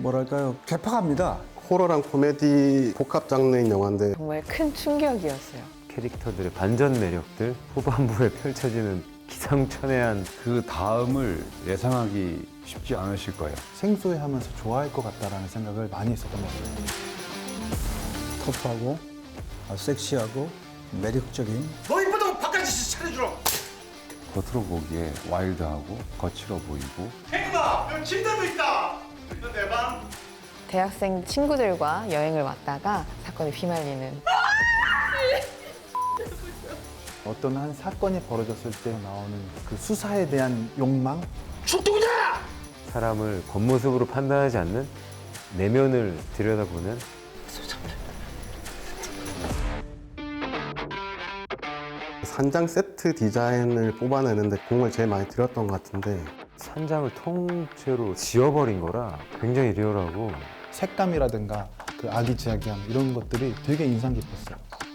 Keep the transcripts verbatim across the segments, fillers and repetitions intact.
뭐랄까요, 괴팍합니다. 호러랑 코미디 복합 장르인 영화인데 정말 큰 충격이었어요. 캐릭터들의 반전 매력들, 후반부에 펼쳐지는 기상천외한 그 다음을 예상하기 쉽지 않으실 거예요. 생소해하면서 좋아할 것 같다라는 생각을 많이 했었던 것 같아요. 터프하고 아주 섹시하고 매력적인 겉으로 보기에 와일드하고 거칠어 보이고 대학생 친구들과 여행을 왔다가 사건에 휘말리는 어떤 한 사건이 벌어졌을 때 나오는 그 수사에 대한 욕망? 사람을 겉모습으로 판단하지 않는 내면을 들여다보는 산장 세트 디자인을 뽑아내는데 공을 제일 많이 들였던 것 같은데 산장을 통째로 지워버린 거라 굉장히 리얼하고 색감이라든가 그 아기자기함 이런 것들이 되게 인상 깊었어요.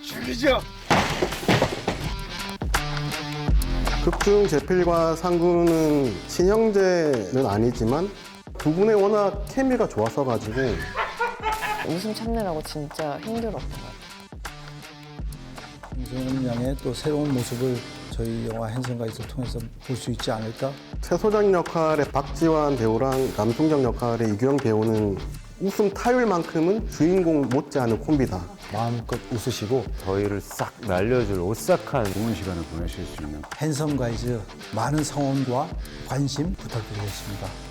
극중 제필과 상구는 친형제는 아니지만 두 분의 워낙 케미가 좋았어가지고 웃음 참느라고 진짜 힘들었던 것 같아요. 김소연 양의 또 새로운 모습을 저희 영화 핸섬가이즈를 통해서 볼 수 있지 않을까? 최소장 역할의 박지환 배우랑 남순경 역할의 이규영 배우는 웃음 타율만큼은 주인공 못지않은 콤비다. 마음껏 웃으시고 저희를 싹 날려줄 오싹한 좋은 시간을 보내실 수 있는 핸섬가이즈 많은 성원과 관심 부탁드리겠습니다.